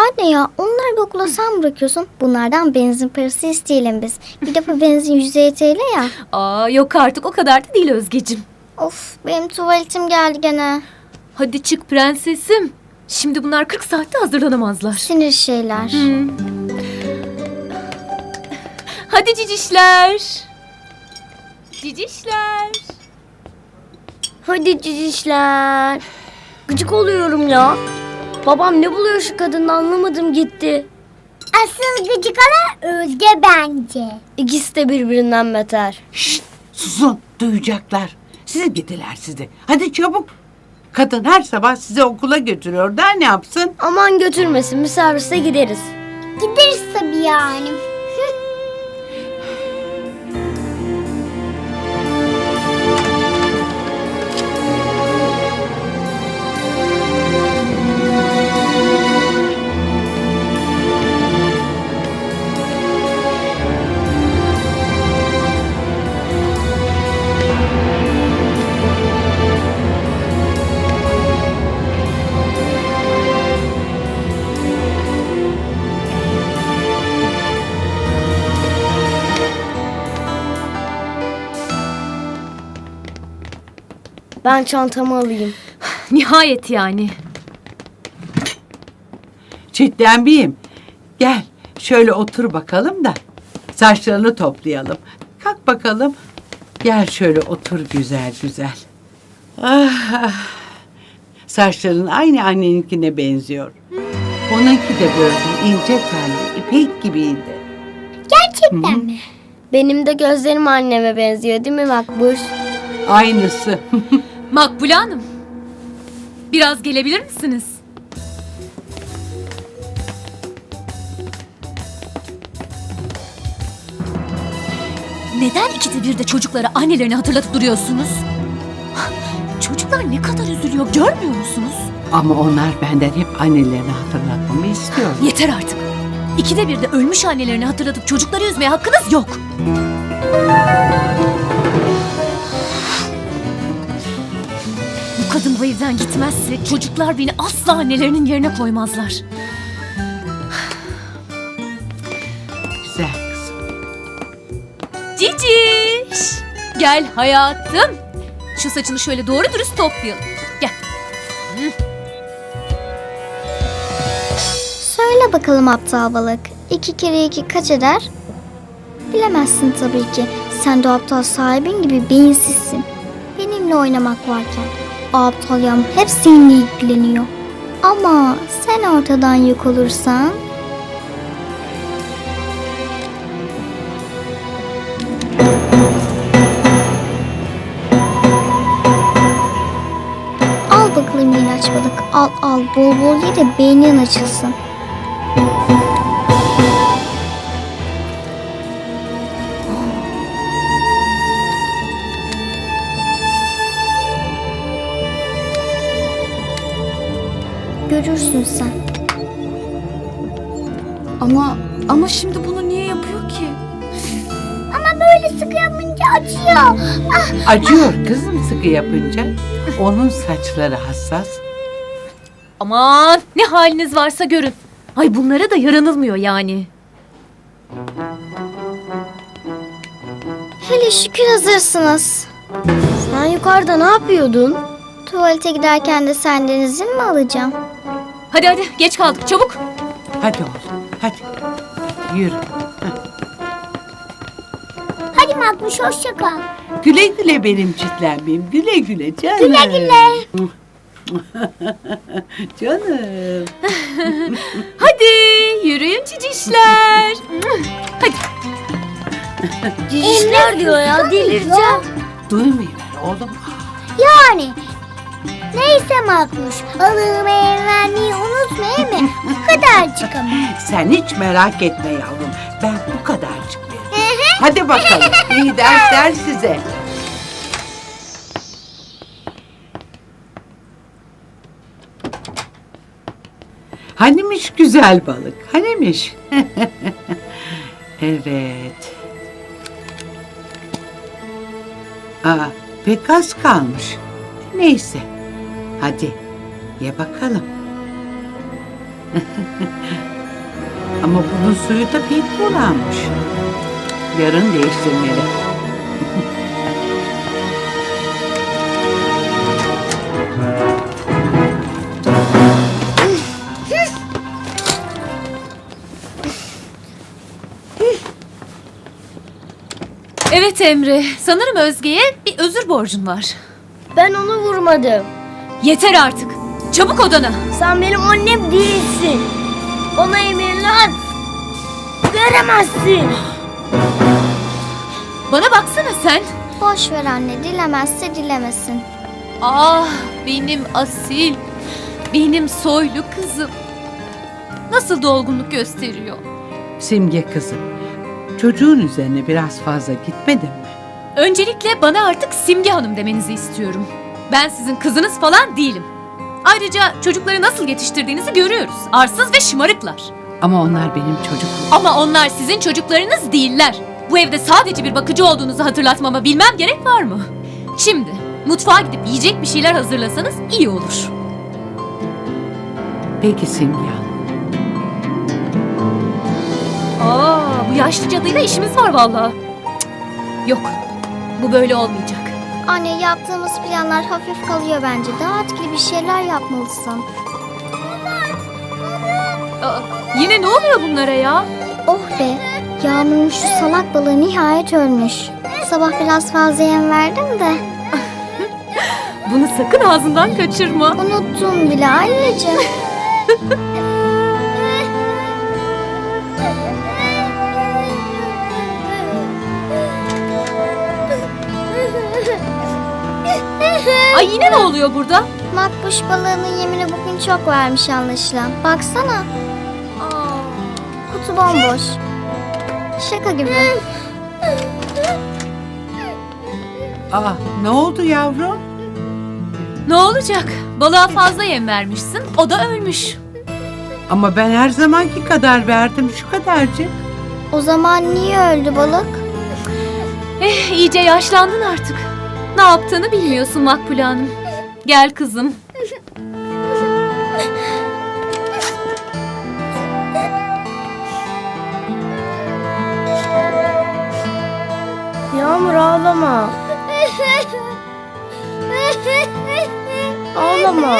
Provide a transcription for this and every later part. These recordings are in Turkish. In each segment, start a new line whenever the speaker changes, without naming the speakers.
Anne ya, onları bir okula sen bırakıyorsun. Bunlardan benzin parası isteyelim biz. Bir defa benzin 150 TL ya.
Aa, yok artık, o kadar da değil Özgecim.
Of, benim tuvaletim geldi gene.
Hadi çık prensesim. Şimdi bunlar 40 saatte hazırlanamazlar.
Sinir şeyler.
Hadi cicişler. Cicişler.
Hadi cicişler. Gıcık oluyorum ya. Babam ne buluyor şu kadını anlamadım gitti.
Asıl gıcık olan Özge bence.
İkisi de birbirinden beter.
Şşt, susun, duyacaklar. Siz gidiler sizi. Hadi çabuk. Kadın her sabah sizi okula götürüyor. Daha ne yapsın?
Aman götürmesin, bir servise gideriz.
Gideriz tabii yani.
Ben çantamı alayım.
Nihayet yani.
Çitlenbiyim. Gel şöyle otur bakalım da saçlarını toplayalım. Kalk bakalım. Gel şöyle otur güzel güzel. Ah, ah. Saçların aynı anneninkine benziyor. Onunki de böyle ince telli, ipek gibiydi.
Gerçekten mi?
Benim de gözlerim anneme benziyor değil mi Makbuş?
Aynısı.
Makbule Hanım. Biraz gelebilir misiniz? Neden ikide bir de çocuklara annelerini hatırlatıp duruyorsunuz? Çocuklar ne kadar üzülüyor, görmüyor musunuz?
Ama onlar benden hep annelerini hatırlatmamı istiyor.
Yeter artık. İkide bir de ölmüş annelerini hatırlatıp çocukları üzmeye hakkınız yok. Bu kadın bu evden gitmezse çocuklar beni asla annelerinin yerine koymazlar.
Güzel kızım.
Ciciş! Gel hayatım. Şu saçını şöyle doğru dürüst toplayalım. Gel.
Söyle bakalım aptal balık. 2 kere 2 kaç eder? Bilemezsin tabii ki. Sen de aptal sahibin gibi beyinsizsin. Benimle oynamak varken o aptal yam hep seninle ilgileniyor. Ama sen ortadan yok olursan... Al bakalım ilaç balık. Al al, bol bol ye de beynin açılsın. Görürsün sen.
Ama şimdi bunu niye yapıyor ki?
Ama böyle sıkı yapınca acıyor. Ah,
Acıyor kızım sıkı yapınca. Onun saçları hassas.
Aman ne haliniz varsa görün. Ay bunlara da yaranılmıyor yani.
Hele şükür hazırsınız.
Sen yukarıda ne yapıyordun?
Tuvalete giderken de senden izin mi alacağım?
Hadi hadi geç kaldık çabuk.
Hadi oğlum hadi. Yürü.
hadi Makbuş hoşça kal.
Güle güle benim çitlenmeyim. Güle güle canım.
Güle güle.
Canım.
Hadi yürüyün cicişler. Hadi.
Cicişler diyor ya, delireceğim.
Duymuyorlar oğlum.
Yani. Neyse Makbuş. Balığımı vermeyi unutma mi? Bu kadarcık ama.
Sen hiç merak etme yavrum. Ben bu kadarcık veririm. Hadi bakalım. İyi dersler size. Hanimiş güzel balık? Hanimiş? Evet. Aa, pek az kalmış. Neyse. Hadi ye bakalım. Ama bunun suyu da pek bulanmış. Yarın değiştirmeli.
Evet Emre, sanırım Özge'ye bir özür borcun var.
Ben onu vurmadım.
Yeter artık. Çabuk odana.
Sen benim annem değilsin. Bana emirler veremezsin.
Bana baksana sen.
Boş ver anne, dilemezse dilemesin.
Ah, benim asil, benim soylu kızım. Nasıl dolgunluk gösteriyor.
Simge kızım, çocuğun üzerine biraz fazla gitmedin mi?
Öncelikle bana artık Simge Hanım demenizi istiyorum. Ben sizin kızınız falan değilim. Ayrıca çocukları nasıl yetiştirdiğinizi görüyoruz. Arsız ve şımarıklar.
Ama onlar benim çocuklarım.
Ama onlar sizin çocuklarınız değiller. Bu evde sadece bir bakıcı olduğunuzu hatırlatmama bilmem gerek var mı? Şimdi mutfağa gidip yiyecek bir şeyler hazırlasanız iyi olur.
Peki Simge Hanım.
Bu yaşlı cadıyla işimiz var vallahi. Cık, yok, bu böyle olmayacak.
Anne, yaptığımız planlar hafif kalıyor bence. Daha etkili bir şeyler yapmalısın.
Yine ne oluyor bunlara ya?
Oh be, Yağmur'un şu salak balığı nihayet ölmüş. Sabah biraz fazla yem verdim de.
Bunu sakın ağzından kaçırma.
Unuttum bile anneciğim.
Ay yine ne oluyor burada?
Makbuş balığının yemini bugün çok vermiş anlaşılan. Baksana. Kutu bomboş. Şaka gibi.
Ne oldu yavrum?
Ne olacak? Balığa fazla yem vermişsin, o da ölmüş.
Ama ben her zamanki kadar verdim, şu kadarcık.
O zaman niye öldü balık?
İyice yaşlandın artık. Ne yaptığını bilmiyorsun Makbule Hanım. Gel kızım.
Yağmur ağlama. Ağlama.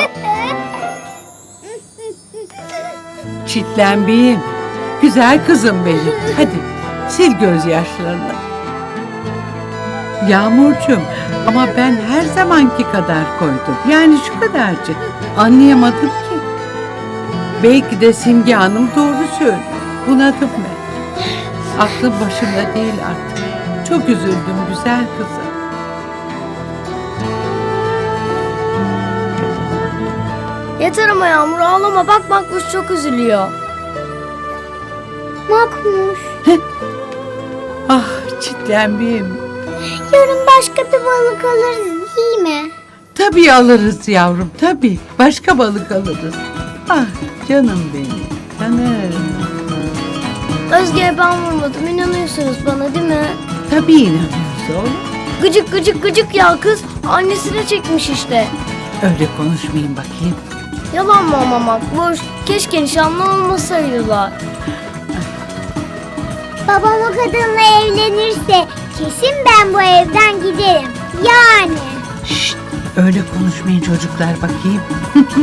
Çitlenbeyim. Güzel kızım benim. Hadi sil gözyaşlarını. Yağmurcuğum, ama ben her zamanki kadar koydum. Yani şu kadarcık. Anlayamadım ki. Belki de Simge Hanım doğru söylüyor. Bunadım ben. Aklım başımda değil artık. Çok üzüldüm güzel kızım.
Yeter ama Yağmur ağlama. Bak Makbuş çok üzülüyor.
Makbuş.
Ah çitlenbeyim.
Yarın başka bir balık alırız değil mi?
Tabii alırız yavrum, tabii. Başka balık alırız. Ah canım benim, canım.
Özge'ye ben vurmadım. İnanıyorsunuz bana değil mi?
Tabii inanıyoruz oğlum.
Gıcık gıcık gıcık ya kız. Annesine çekmiş işte.
Öyle konuşmayayım bakayım.
Yalan mı ama Makbuş? Keşke nişanlı olmasaydılar.
Babam o kadınla evlenirse kesin ben bu evden giderim. Yani.
Şşt, öyle konuşmayın çocuklar bakayım.